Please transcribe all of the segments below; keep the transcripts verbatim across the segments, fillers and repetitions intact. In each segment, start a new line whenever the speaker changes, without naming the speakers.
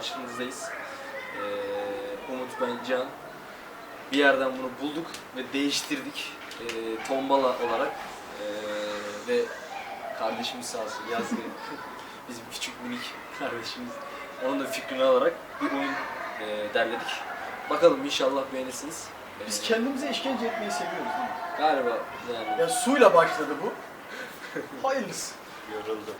karşınızdayız. Ee, Umut, ben, Can. Bir yerden bunu bulduk ve değiştirdik. Ee, tombala olarak. Ee, ve kardeşimiz sağ olsun Yazgı. Bizim küçük minik kardeşimiz. Onun da fikrini alarak bir oyun e, derledik. Bakalım inşallah beğenirsiniz.
Biz kendimize işkence etmeyi seviyoruz değil mi?
Galiba yani.
Ya suyla başladı bu. Hayırlısı.
Yoruldum.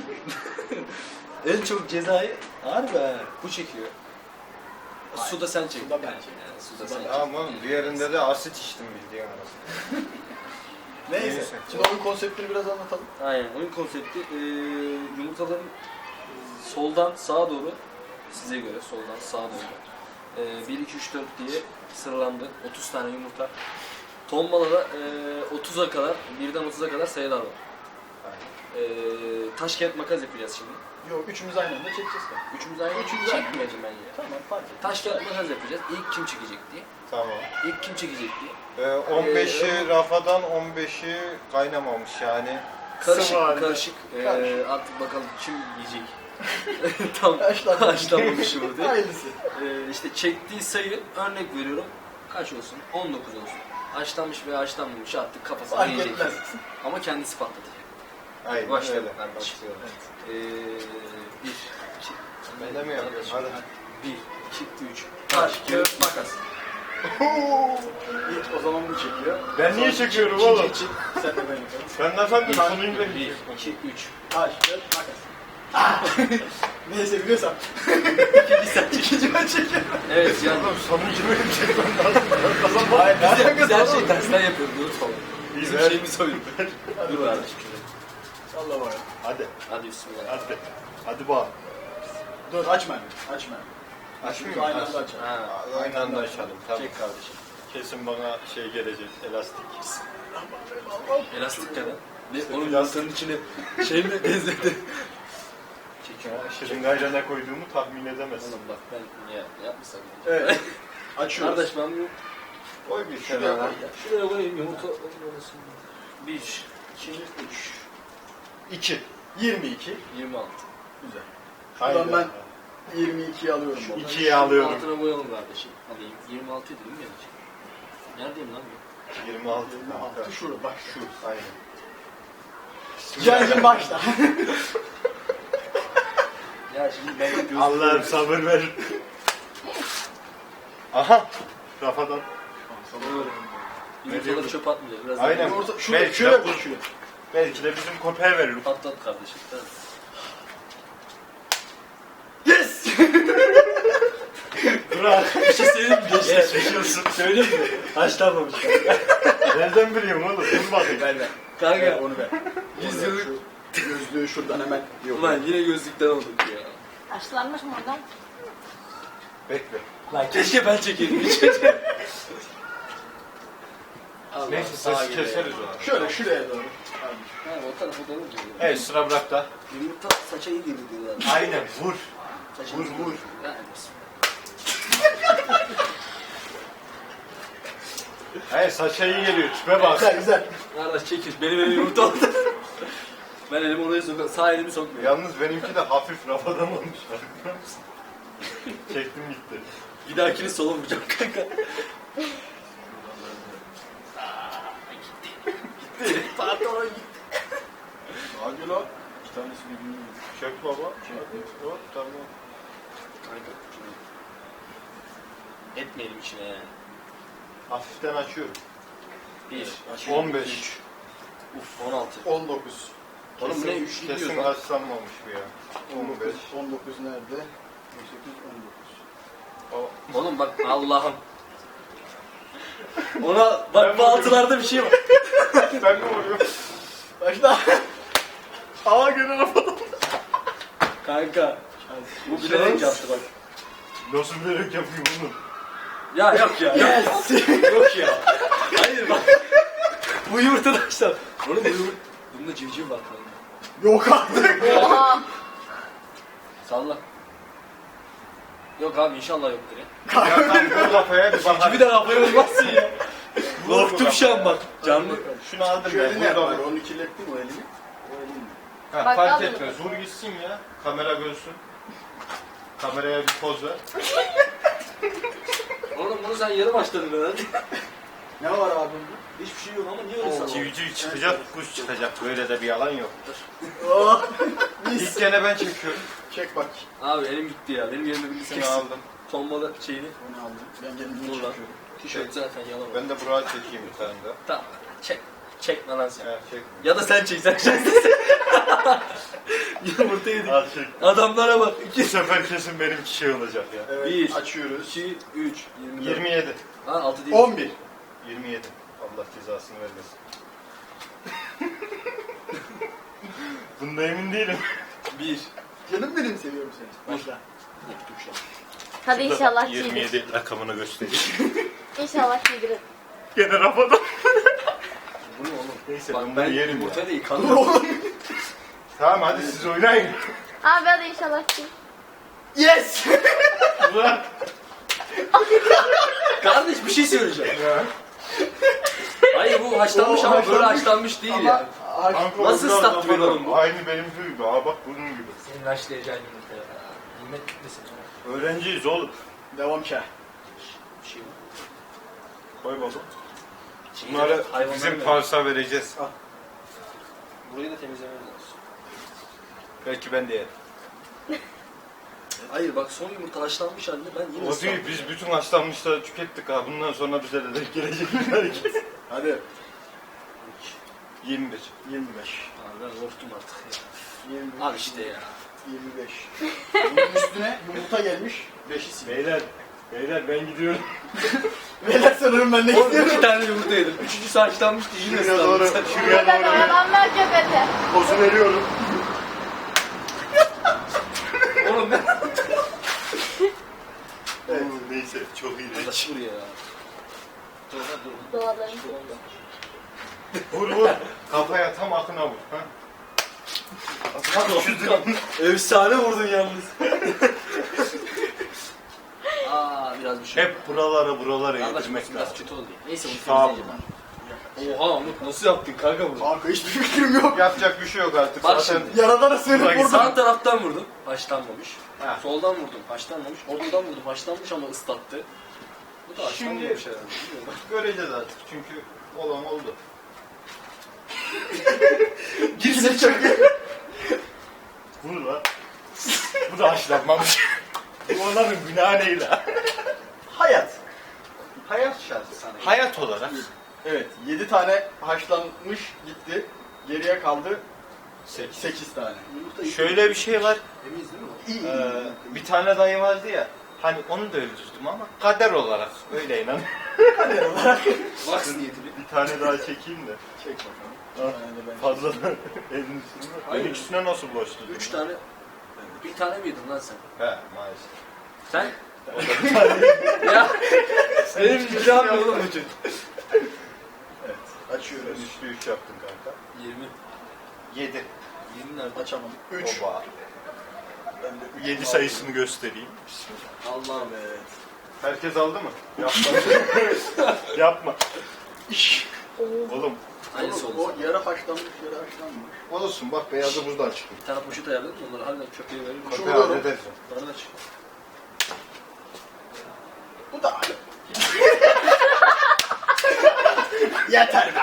En çok cezayı harbi bu çekiyor.
Hayır,
Suda sen çek.
suda ben çektim.
Yani, suda
Suda
sen
ben.
çek.
Ama diğerinde de asit içtim bildiğin arasında.
Neyse.
Neyse.
Şimdi oyun konseptini biraz anlatalım.
Aynen. Oyun konsepti e, yumurtaların soldan sağa doğru, size göre soldan sağa doğru e, bir, iki, üç, dört diye sıralandı. otuz tane yumurta. Tombalada e, otuza kadar, birden otuza kadar sayılar var. E, taş kağıt makas yapacağız şimdi.
Yok, üçümüz aynı anda çekeceğiz tabii.
Üçümüz aynı
Üçümüz aynı.
çekmeyeceğim ben ya.
Tamam, fark et.
Taş kağıt makas yapacağız. İlk kim çekecek diye.
Tamam.
İlk kim çekecek diye.
Ee, on beşi
Ee,
rafadan, on beşi kaynamamış yani.
Karışık,
Sıvı halde.
karışık. Ee,
Karışık.
artık bakalım kim yiyecek. Tam
Haşlanmamış.
haşlanmamış yumurta.
Hayırlısı.
Ee, işte çektiği sayı, örnek veriyorum, kaç olsun? on dokuz olsun. Haşlanmış veya haşlanmamış artık kafasına
Fark
yiyecek.
etmez.
Ama kendisi patladı.
Aynen
Başlayalım
öyle.
kardeşim.
Başlayalım.
Ee, bir, iki,
Ben de mi yapıyorum? Hadi.
bir, iki, üç. Taş, kağıt, makas.
İlk o zaman bu çekiyor.
Ben niye çekiyorum
İkinci
oğlum?
için.
Sen de ben yaparım.
Ben de efendim
Bir,
sonuyum ben.
bir, iki, üç.
Taş, kağıt, makas. Neyse biliyorsam.
Bir sen çek.
İkinci ben çekiyorum.
Evet yani.
Oğlum sonuncu benim çekmem lazım. Kazanmam.
Hayır,
Biz,
nereden
biz her
kazandın?
şeyi tersten yapıyoruz, unutma. Bizim
ver.
şeyimiz oyun. Dur kardeşim.
Allah var.
Hadi.
Hadi bismillah.
Hadi. Hadi bak.
Dur, açma. Açma.
Açmayayım
Aynı
mı?
anda açalım.
Ha.
Aynı anda açalım. Tamam.
Çek kardeşim.
Kesin bana şey gelecek, elastik.
Elastik kadar. Ne? Onun
Elastik.
yumurtanın içine şey mi benzedi?
Ya, şırıngayla ne koyduğumu tahmin edemezsin.
Oğlum bak ben ya yapmışsam.
Evet. Açıyoruz.
Kardeş ben bunu
Koy bir
Şuraya
kenara.
koy ya.
şuraya koyayım yumurta olmasın. bir, iki, üç,
İki.
yirmi iki.
yirmi altı.
Güzel.
Aynen.
Şuradan ben yirmi ikiyi alıyorum.
Şu
baba.
ikiyi alıyorum.
Altına koyalım kardeşim. Alayım. yirmi altı değil mi gelecek? Neredeyim lan bu?
yirmi altı.
yirmi altı şurada bak şu.
Aynen.
Cancım başla.
Ya şimdi ben göz...
Allah'ım sabır ver. Aha. Rafadan.
Yumurtaları
diyorum?
çöp atmayacağız. Biraz
Aynen.
daha
Orta, şuraya,
Belki
şuraya
de-
koy şuraya.
Belki de bizim köpeğe verir.
patlat kardeşim. Tamam.
Yes!
Bırak.
Bir şey söyleyeyim mi? Geçti.
Yaşıyorsun.
Söyleyeyim mi? Haşlanmamış.
Nereden biliyorum oğlum? Dur bakayım.
Ver ver. Kanka.
Evet, onu ver.
Yüz
Onu ver,
yıllık-
şu gözlüğü şuradan hemen yok.
Ulan yine gözlükten olduk ya.
Haşlanmış mı oradan?
Bekle.
Lan keşke ben çekeydim hiç. Allah,
Neyse
sağa
sesi
geliyor.
keseriz onu.
Şöyle şuraya doğru.
Ha o tarafa doğru mu gidiyor?
Evet sıra bırak da.
Yumurta saça iyi geliyor diyorlar.
Aynen vur.
Saça
Vur,
iyi
vur.
geliyor. Yani bismillah.
Hayır saça iyi geliyor. Tüpe bak.
Güzel güzel.
Kardeş çekil. Benim elim yumurta oldu. Ben elimi oraya sokuyorum. Sağ elimi sokmuyorum.
Yalnız benimki de hafif rafadan olmuş. Farkında mısın? Çektim gitti.
Bir dahakini sola vuracağım kanka. Gitti. Pardon gitti.
Hadi lan. İki tanesi birbirine.
Çök baba. Hop tamam.
Kanka. Etmeyelim içine yani.
Hafiften açıyorum.
bir,
on beş.
üç, uf, on altı.
on dokuz.
Oğlum bu ne üçlü
Kesin
diyor lan.
haşlanmamış bu ya.
on
on
dokuz.
beş.
on dokuz nerede? on sekiz, on dokuz.
Oğlum bak Allah'ım. Ona bak bu altılarda bir şey var.
Ben mi vuruyorum?
Başla. Aa gene rafadan.
Kanka. Bu bilerek yaptı bak.
Nasıl bilerek yapıyor bunu?
Ya yok ya.
Yes.
Yok ya. Hayır bak. Bu yumurta da işte. Oğlum bu yumurta. Bunda civciv var kanka.
Yok artık.
Oha!
Salla. Yok abi inşallah yoktur ya.
Ya tam bu kafaya bir bak.
Civcivi de kafaya vurmazsın ya. Korktum şu an bak. Canlı.
Şunu aldım
Şu
ben.
elini
Burada
yapar.
bak.
Onu kirlettin o elini. O elini.
Ha,
Bak,
fark
al
etmez. Vur gitsin ya. Kamera görsün. Kameraya bir poz ver.
Oğlum bunu sen yarım açtın herhalde.
Ne var abi bunda?
Hiçbir şey yok ama niye öyle sandın?
Civciv çıkacak, kuş çıkacak. Böyle de bir yalan yoktur.
Oh.
İlk gene ben çekiyorum.
Çek bak.
Abi elim gitti ya. Benim yerime bir
Seni
kesin.
aldım.
Tombala şeyini.
Onu aldım. Ben kendimi
Buradan.
çekiyorum.
Tişört zaten yalan.
Ben de buraya çekeyim bir tane daha.
Tamam. Çek. Çekme lan sen.
Evet, çek.
Ya da sen çek. Sen şanslısın. Yumurta yedik.
Al çek.
Adamlara bak.
Bu sefer kesin benimki şey olacak ya.
Evet.
Bir.
Açıyoruz.
iki, üç, yirmi dört.
yirmi yedi.
Ha altı değil.
on bir.
yirmi yedi. Allah cezasını vermesin. Bunda emin değilim.
bir.
Canım benim seviyorum seni. Başla.
Unuttum şu an.
Hadi inşallah
yirmi
giydir.
yedi rakamını göstereyim.
İnşallah giydirir.
Gene rafadan.
Bu ne oğlum?
Neyse
Bak
ben
ben
bunu yerim
yumurta
ya.
değil
Dur
kanka.
oğlum.
Tamam hadi siz oynayın.
Abi hadi inşallah giy.
Yes.
Ulan.
Kardeş bir şey söyleyeceğim.
Ya.
Hayır bu haşlanmış
O
ama böyle
haşlanmış.
haşlanmış değil
Ama
ya.
haş-
Kanka,
Nasıl
o biraz
ıslattı beni
rafadan.
oğlum bu?
Aynı benim gibi. Aa bak bunun gibi.
Senin haşlayacağın yumurta ya. Nimet gitmesin.
Öğrenciyiz oğlum.
Devam ki.
Bir şey var.
Koy baba.
Şeyi
Bunları
de hayvanlara
bizim
ver.
parsa vereceğiz.
Burayı da temizlememiz lazım.
Belki ben de yerim.
Hayır bak son yumurta haşlanmış halde ben yine
O değil,
ıslandım.
biz bütün haşlanmışları tükettik ha. Bundan sonra bize de denk gelecek herkes.
Hadi.
yirmi bir.
yirmi beş.
Abi ben korktum artık ya.
yirmi beş.
Al işte ya.
yirmi beş. Bunun üstüne yumurta gelmiş. beşi sil.
Beyler, beyler ben gidiyorum.
Beyler sanırım ben ne
Oğlum iki
istiyorum?
tane yumurta yedim. Üçüncüsü haşlanmıştı yine
Şuraya
ıslandım.
doğru,
Sen-
şuraya
Burada
doğru
adamlar göbete.
pozu veriyorum.
Oğlum ben...
Evet. Neyse çok iyi.
Arkadaş buraya ya. Dur lan dur.
Doğaların.
Vur vur. Kafaya tam akına vur. Ha?
Efsane vurdun yalnız. Aa biraz bir şey.
Hep buralara buralara
Kardeş
yedirmek
biraz
lazım.
kötü oldu. Neyse bunu
Tamam.
temizleyeceğim ben. Oha Umut nasıl yaptın kanka bunu?
Kanka hiçbir fikrim yok.
Yapacak bir şey yok artık.
Bak
Zaten
şimdi.
Yaradana sığınıp
Bak,
vurdum.
Sağ taraftan vurdum. Haşlanmamış.
Ha.
Soldan vurdum. Haşlanmamış. Ortadan vurdum. Haşlanmış ama ıslattı. Bu da
Şimdi-
haşlanmamış herhalde. Bilmiyorum.
göreceğiz artık çünkü olan oldu.
Girsin çakı.
Vur lan. Bu da haşlanmamış. Bu onların günahı ne la?
Hayat.
Hayat şartı sana. Hayat olarak.
Evet. yedi tane haşlanmış gitti. Geriye kaldı
Sekiz.
sekiz tane.
Yumurta iyi.
Şöyle bir şey var.
Temiz değil mi?
İyi iyi.
Ee, bir tane dayı vardı ya. Hani onu da öldürdüm ama kader olarak öyle inan.
Wax niyetini.
Bir tane daha çekeyim de.
Çek bakalım.
Ha.
Bir tane de ben-
Fazladan elin üstüne.
Hayır.
Ben ikisine nasıl bulaştı?
Üç tane. Bir tane mi yedin lan sen?
He maalesef.
Sen? ya. Benim günahım ne oğlum bütün?
Evet. Açıyoruz.
Sen üçlü üç yaptın kanka.
Yirmi.
Yedi.
Yirmi nerede?
Açamadım. üç.
Oba.
Ben de üç
Yedi
aldım.
sayısını göstereyim. Bismillah.
Allah'ım.
Evet.
Herkes aldı mı? Yapma. Yapma. İş.
Oo.
Oğlum.
Aynısı
Oğlum,
oldu.
o yarı haşlanmış yarı haşlanmış.
Olsun bak beyazı buradan çıktı.
Bir tane poşet ayarladım onları harbiden köpeğe veririm.
Şu
Köpeği
vuruyorum.
hallederiz.
Bana da çık.
Bu da yeter be.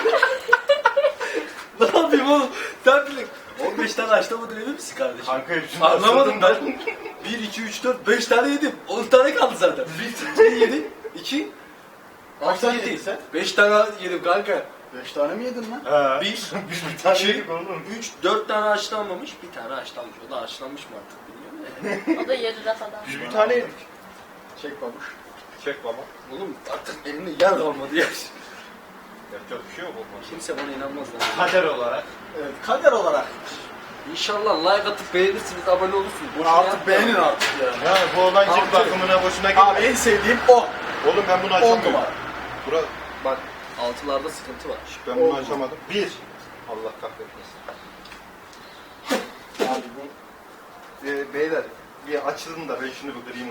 Ne yapayım oğlum? Sen bilin. on beş tane haşlamadın emin misin kardeşim?
Kanka hepsini
Anlamadım
haşladım
ben. bir, iki, üç, dört, beş tane yedim. on tane kaldı zaten. bir, iki yedim. iki,
Kaç tane
yedi.
yedin sen?
beş tane yedim kanka.
beş tane mi yedin lan?
He.
Bir,
Biz bir tane
iki,
yedik oğlum.
üç, dört tane haşlanmamış, bir tane haşlanmış. O da haşlanmış mı artık bilmiyorum da.
O da yarı rafadan.
Biz bir tane yedik.
Çek babuş.
Çek baba.
Oğlum artık elimde yer kalmadı ya.
Yapacak bir şey yok oğlum.
Kimse bana inanmaz lan.
Kader olarak.
Evet, kader olarak.
İnşallah like atıp beğenirsiniz, abone olursunuz.
Bunu
Boşuna
artık
yapma.
beğenin artık ya.
Yani bu olan cilt
Abi,
bakımına boşuna
Abi
gitme.
en sevdiğim o.
Oğlum ben bunu
on
açamıyorum.
numara.
Bura, bak
Altılarda sıkıntı var.
ben bunu
Oldu.
açamadım. Bir. Allah kahretmesin.
Abi bu.
Ee, beyler bir açılın da ben şunu bir kırayım.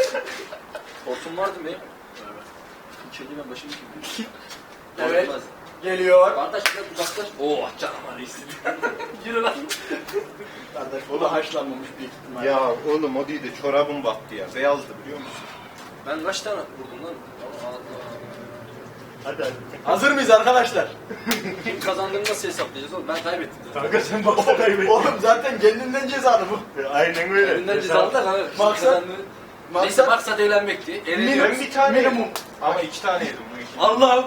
Hortum vardı mı? Evet. İçeri ben başımı kim?
Evet. geliyor.
Kardeş biraz uzaklaş. Oo canavar istedi. Yürü lan.
Kardeş o da haşlanmamış büyük ihtimal.
Ya oğlum o değil de çorabım battı ya. Beyazdı biliyor musun?
Ben kaç tane vurdum lan? Allah Allah.
Hadi hadi.
Hazır mıyız arkadaşlar?
Kim kazandığını nasıl hesaplayacağız oğlum? Ben kaybettim zaten.
Kanka sen baksa kaybettin.
Oğlum zaten kendinden cezalı bu.
Aynen öyle.
Elinden cezalı da kanka. Kim
Maksat-
kazandı? Neyse
maksat-
maksat eğlenmekti. Eğleniyoruz.
Ben bir tane
Minimum.
yedim. Ama iki tane yedim. Bu iki.
Allah'ım.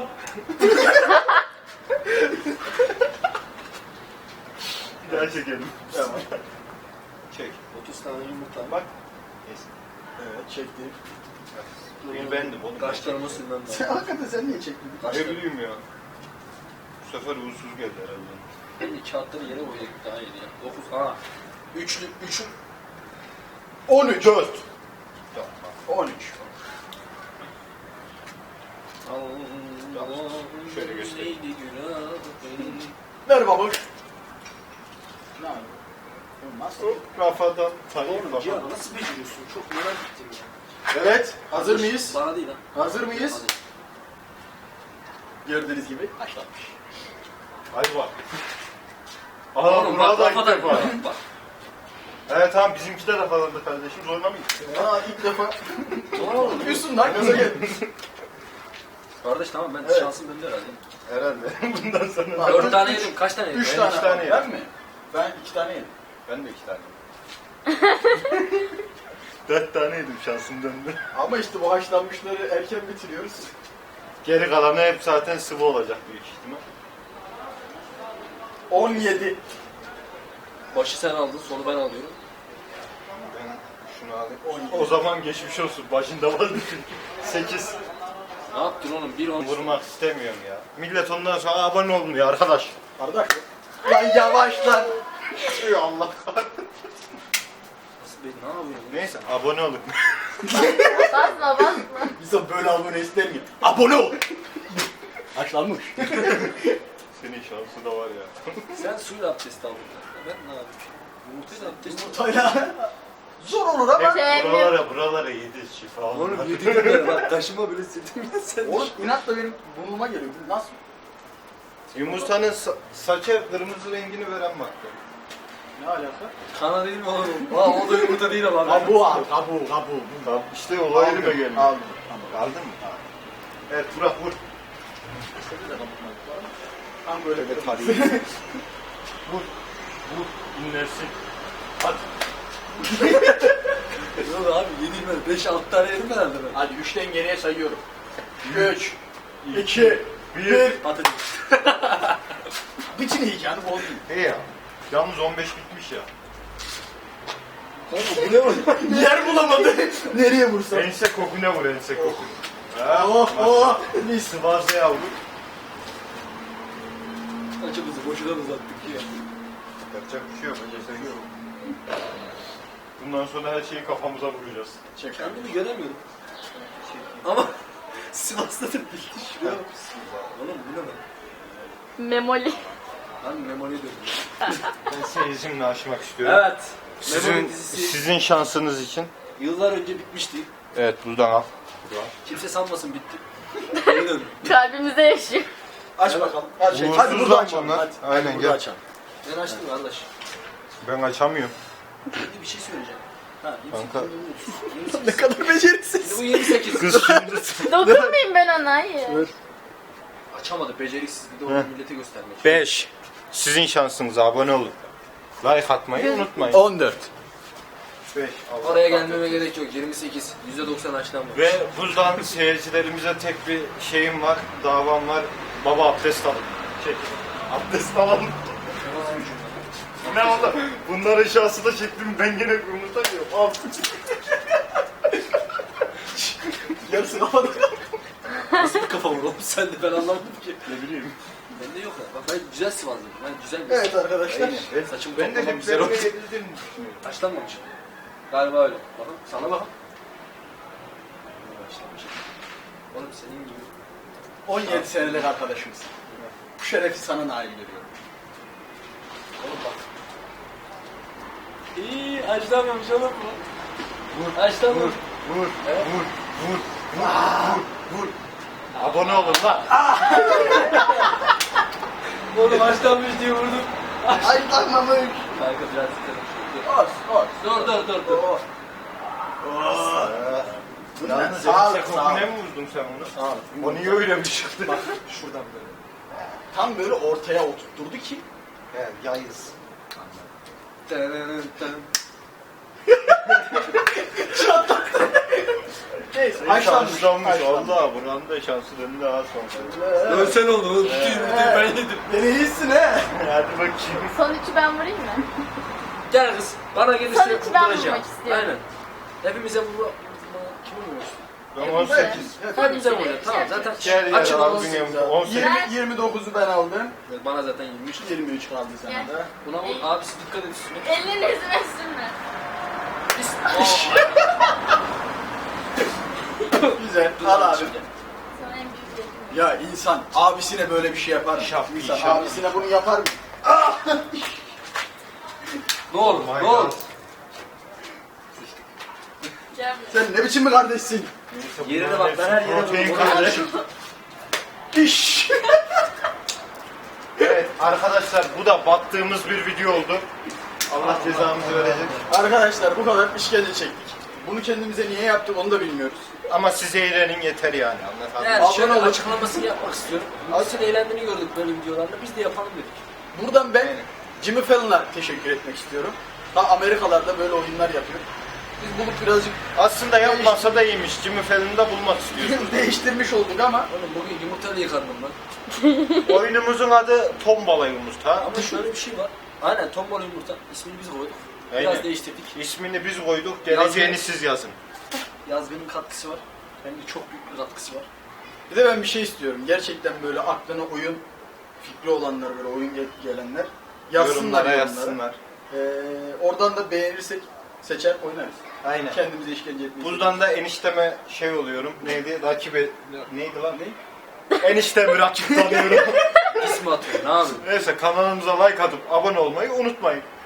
Bir daha çekelim.
Tamam.
Çek.
otuz tane yumurta.
Bak.
Neyse.
Evet çektim.
Bir bendim oğlum.
Kaşlarıma sürmem
Sen
lazım.
hakikaten sen niye çektin?
Ne bileyim ya. Bu sefer uğursuz geldi herhalde.
Ben de kağıtları yere koyduk daha iyi ya. dokuz. Ha. Üçlü. Üçün.
on üç.
Dört. Tamam.
on üç.
Şöyle göstereyim.
Ver babuş. Ne yapıyorsun? Nasıl?
Hop kafadan. Hayır
Oğlum
kafadan.
ya nasıl beceriyorsun? Çok merak ettim ya.
Evet. Hazır mıyız?
Bana değil ha.
Hazır mıyız?
Hadi.
Gördüğünüz gibi haşlanmış.
Hadi bak. Aa
Oğlum bak
burada ilk
kafadan.
defa.
Bak.
Evet tamam bizimki de kafalandı kardeşim. Zorlamayın.
Aa ilk defa.
Oğlum.
Yapıyorsun lan gaza gel.
Kardeş tamam ben
Evet.
şansım bende herhalde.
Herhalde. Bundan sonra.
Bak.
Dört tane yedim. Kaç tane yedim?
Üç
Ben
tane.
iki tane
Ben
yedim.
mi? Ben iki tane yedim.
Ben de iki tane. Dört tane yedim şansım döndü.
Ama işte bu haşlanmışları erken bitiriyoruz.
Geri kalanı hep zaten sıvı olacak büyük ihtimal.
on yedi.
Başı sen aldın, sonu ben alıyorum.
Ben şunu alayım.
on yedi.
O zaman geçmiş olsun. Başında vardı çünkü. Sekiz.
Ne yaptın oğlum? Bir on.
Vurmak istemiyorum ya. Millet ondan sonra abone olmuyor arkadaş.
Kardeş. Lan yavaş lan. Ey Allah.
Nasıl be? Ne yapıyorsun?
Neyse abone olun.
Basma basma.
Bize böyle abone ister mi? Abone ol. Haşlanmış.
Senin şansı da var ya.
Sen suyla abdest aldın. Ben ne yapayım? Yumurtayla abdest aldım.
Yumurtayla. Zor olur ama.
Hep buralara buralara yedi şifa.
Oğlum
olmaz.
yedim ben. Bak taşıma bile sildim. Sen
Oğlum inatla benim burnuma geliyor. Bu nasıl?
Yumurtanın sa- saça kırmızı rengini veren madde.
Ne alaka?
kana değil mi oğlum? Aa o da yumurta değil ama.
Kabuğu al. Kabuğu kabuğu.
Tamam işte olay yerime geldi.
Aldım. Tamam.
Aldın mı? Evet Burak vur.
Tam böyle
Evet,
bir
hadi. Vur. Vur. İnlersin. Hadi.
Yok abi yedim ben. beş altı tane yedim herhalde ben.
Hadi üçten geriye sayıyorum. üç, iki,
Bir.
bir.
Patates.
Bütün heyecanı bozdu.
Hey ya. Yalnız on beş bitmiş ya.
Oğlum bu ne oğlum?
Yer bulamadı. Nereye vursam?
Ense kokuna vur ense koku.
Oh oh. Mis.
Sıvazı yavru.
Açımızı boşuna uzattık ya.
Yapacak bir şey yok. Önce yok. Bundan sonra her şeyi kafamıza vuracağız.
Çek abi.
Kendimi göremiyorum. Ama Sivas'ta da bitti şuraya bak. Oğlum bu ne lan?
Memoli.
Ben memoli döndüm.
Ben seyircimle aşmak istiyorum.
Evet. Memoli
Sizin,
dizisi
sizin şansınız için.
yıllar önce bitmişti.
Evet buradan al.
Kimse sanmasın bitti. Geri döndüm.
Kalbimizde yaşıyor.
Aç bakalım. Aç. Hadi
Uğursuz
burada
lan
açalım.
bunlar.
Hadi.
Aynen,
Hadi burada
gel.
açalım.
Ben açtım kardeş.
Ben açamıyorum.
Şimdi bir şey söyleyeceğim. Ha,
Kanka.
yirmi sekiz.
Ne kadar beceriksiz.
Bu yirmi sekiz.
Kız şimdi.
Dokunmayayım ben ona hayır.
Açamadı beceriksiz bir de
Heh.
onu millete göstermek.
beş. Sizin şansınız abone olun. Like atmayı unutmayın.
on dört.
beş.
Oraya gelmeme gerek yok. yirmi sekiz. yüzde doksan açlanmamış.
Ve buradan seyircilerimize tek bir şeyim var, davam var. Baba abdest alın. Çek. Abdest alın. Ne oldu? Bunların şansı da çektim. Ben gene yumurta yiyorum. Al.
Yarısı kapadık.
Nasıl bir kafa var oğlum sen de ben anlamadım ki.
Ne bileyim.
Bende yok ya. Bak ben güzel Sivas'lıyım. Ben güzel bir
Evet arkadaşlar.
Aynen. Saçım
Ben de
toplamam
hep
güzel oldu.
böyle edildiğini düşünüyorum.
Açlanmamış. Galiba öyle. Bakın sana bakın. Açlanmış. Oğlum senin gibi.
on yedi senelik arkadaşımız. Bu şerefi sana nail veriyorum.
Oğlum bak. İyi açlanmamış oğlum bu.
Vur,
Açlanmamış.
vur,
Evet.
vur, vur, vur, vur, vur. Abone olun lan.
Oğlum haşlanmış diye vurdum.
Haşlanmamış.
Kanka biraz dikkat et.
Olsun olsun.
Dur dur dur dur.
Oh. Oh.
Yalnız
Sağ ol,
sen
sağ ol.
kokuna mı vurdun sen onu?
Sağ ol.
O niye öyle bir çıktı?
Bak şuradan böyle.
Tam böyle ortaya oturtturdu ki.
Evet, yayız.
Neyse
Haşlanmış.
haşlanmış. Haşlanmış.
Allah buranın da şansı döndü daha sonra.
Dönsen oldu oğlum. Bütün yumurtayı ben yedim.
Beni iyisin he.
Hadi bakayım.
Son üçü ben vurayım mı?
Gel kız. Bana gelirse
Son üçü ben
vuracağım.
vurmak istiyorum.
Aynen. Hepimize vurma. Kime vuruyorsun?
Ben on sekiz.
Son
Hepimize
üçü
vuracağım. Tamam zaten
Gel ya
açın
abi
olsun.
dünyamda on sekiz.
yirmi, yirmi dokuzu ben aldım.
Bana zaten yirmi üç.
yirmi üç kaldı sana
Gel.
da.
Buna vur. Abisi dikkat et üstüne.
Elini yüzüme sürme.
Biz...
Güzel.
Dur,
Al abi.
şimdi.
Sana en büyük yedim.
Ya insan abisine böyle bir şey yapar mı?
Şap,
İnsan
şap.
abisine bunu yapar mı?
Ne olur,
Oh my
ne olur.
God.
Gel buraya.
Sen ne biçim bir kardeşsin?
Neyse,
Yerine
bunların
bak, ben her
hepsi
yere
protein
vururum.
kardeşim.
İş.
Evet arkadaşlar bu da battığımız bir video oldu. Allah cezamızı verecek.
Arkadaşlar bu kadar işkence çektik. Bunu kendimize niye yaptık onu da bilmiyoruz.
Ama siz eğlenin yeter yani anlatalım.
Yani
Abone
şöyle
olun.
açıklamasını yapmak istiyorum. Aslında eğlendiğini gördük böyle videolarla. Biz de yapalım dedik.
Buradan ben Jimmy Fallon'a teşekkür etmek istiyorum. Ta Amerikalarda böyle oyunlar yapıyor. Biz bulup birazcık
Aslında yapmasa da iyiymiş. Jimmy Fallon'u da bulmak istiyorsunuz.
değiştirmiş olduk ama
Oğlum bugün yumurtayla yıkadım lan.
Oyunumuzun adı Tombala Yumurta.
Ama şöyle bir şey var. Aynen tombala yumurta. İsmini biz koyduk. Biraz
Aynen.
değiştirdik.
İsmini biz koyduk. Geleceğini
Yazın.
siz yazın.
Yazgının katkısı var. Hem de çok büyük bir katkısı var.
bir de ben bir şey istiyorum. Gerçekten böyle aklına oyun fikri olanlar, böyle oyun gel- gelenler yazsınlar
Yorumlara
yorumlara.
yazsınlar.
Ee, oradan da beğenirsek seçer oynarız.
Aynen.
Kendimize işkence etmeyiz.
Buradan da enişteme şey oluyorum. Neydi? Rakibe... Neydi lan? Ne? Eniştemi rakip tanıyorum.
İsmi atıyor. Ne yapayım?
Neyse kanalımıza like atıp abone olmayı unutmayın.